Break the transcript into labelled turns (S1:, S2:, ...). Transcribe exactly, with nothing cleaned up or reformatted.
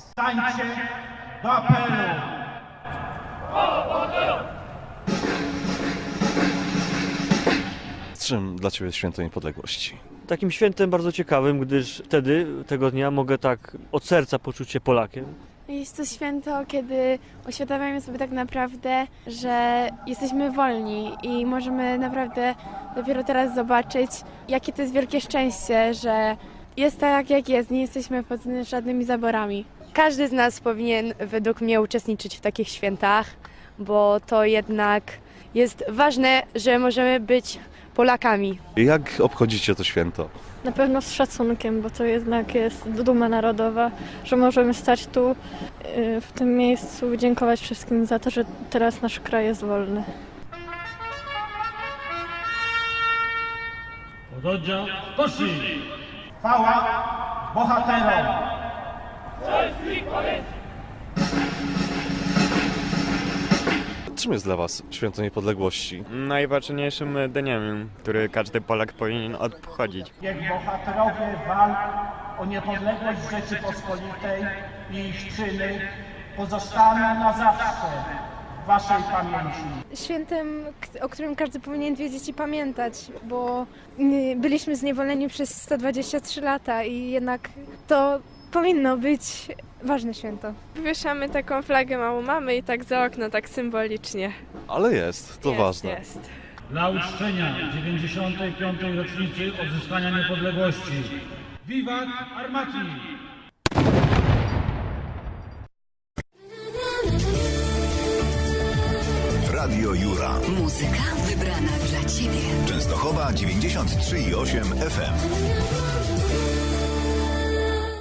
S1: Stańcie do apelu!
S2: Z czym dla Ciebie jest Święto Niepodległości?
S3: Takim świętem bardzo ciekawym, gdyż wtedy, tego dnia, mogę tak od serca poczuć się Polakiem.
S4: Jest to święto, kiedy uświadamiamy sobie tak naprawdę, że jesteśmy wolni i możemy naprawdę dopiero teraz zobaczyć, jakie to jest wielkie szczęście, że jest tak jak jest, nie jesteśmy pod żadnymi zaborami.
S5: Każdy z nas powinien według mnie uczestniczyć w takich świętach, bo to jednak jest ważne, że możemy być Polakami.
S2: Jak obchodzicie to święto?
S6: Na pewno z szacunkiem, bo to jednak jest duma narodowa, że możemy stać tu y, w tym miejscu i dziękować wszystkim za to, że teraz nasz kraj jest wolny.
S1: Oddział poszli! Chwała bohaterom!
S2: Czym jest dla Was Święto Niepodległości?
S7: Najważniejszym dniem, który każdy Polak powinien obchodzić.
S1: Niech bohaterowie walk o niepodległość Rzeczypospolitej i ich czyny pozostaną na zawsze w Waszej pamięci.
S4: Świętem, k- o którym każdy powinien wiedzieć i pamiętać, bo y, byliśmy zniewoleni przez sto dwadzieścia trzy lata i jednak to powinno być ważne święto.
S5: Wywieszamy taką flagę małą mamy i tak za okno, tak symbolicznie.
S2: Ale jest, to
S5: jest,
S2: ważne.
S5: Jest.
S1: Dla uczczenia dziewięćdziesiątej piątej rocznicy odzyskania niepodległości. Wiwat Armati!
S8: Radio Jura.
S9: Muzyka wybrana dla Ciebie.
S8: Częstochowa dziewięćdziesiąt trzy i osiem F M.